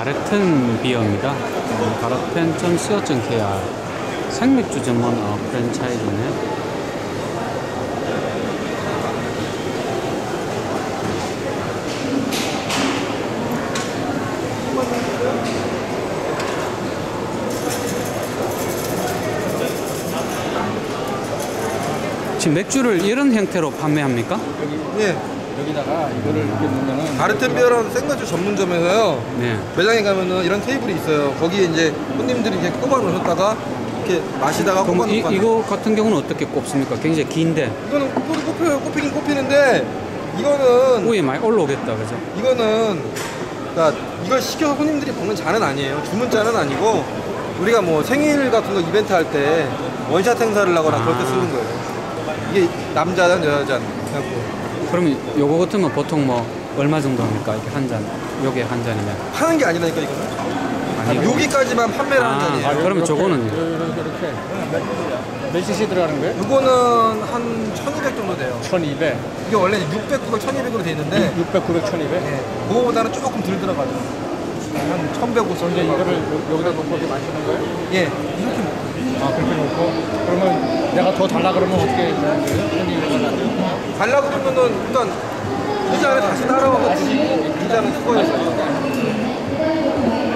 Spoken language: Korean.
바르튼 비어입니다. 바르튼 .co.kr 생맥주 전문 프랜차이즈네. 지금 맥주를 이런 형태로 판매합니까? 예. 여기다가 이거를 이렇게 놓으면은 바르텐 비어라는 생맥주 전문점에서요. 네. 매장에 가면은 이런 테이블이 있어요. 거기에 이제 손님들이 이렇게 꼽아 놓으셨다가 이렇게 마시다가 꼽아 그럼 놓고. 이거 같은 경우는 어떻게 꼽습니까? 굉장히 긴데 이거는 꼽혀요. 꼽히긴 꼽히는데 이거는 위에 많이 올라오겠다, 그죠? 이거는 그러니까 이걸 시켜서 손님들이 먹는 잔은 아니에요. 주문 잔은 아니고 우리가 뭐 생일 같은 거 이벤트 할 때 원샷 행사를 하거나 그럴 때 쓰는 거예요. 이게 남자 잔, 여자 잔. 해갖고. 그러면 요거 같으면 보통 뭐 얼마 정도 합니까? 이렇게 한 잔, 요게 한 잔이면. 파는 게 아니라니까 이거는. 아니요. 여기까지만 판매를 하는 잔이에요. 그러면 저거는요? 이렇게 몇 cc 들어가는 거예요? 이거는 한 1200 정도 돼요. 1200, 이게 원래 600, 900, 1200으로 돼 있는데 600, 900, 1200? 네, 그거보다는 조금 덜 들어가죠. 한 1150. 이제 이거를 여기다 놓고 이렇게 마시는 거예요? 예, 이렇게 먹어요. 아, 그렇게 놓고 그러면 내가 더 달라 그러면 어떻게 되는 거예요? 달라 그러면은 일단 이 잔에 다시 따라와서 이 잔은 그거예요.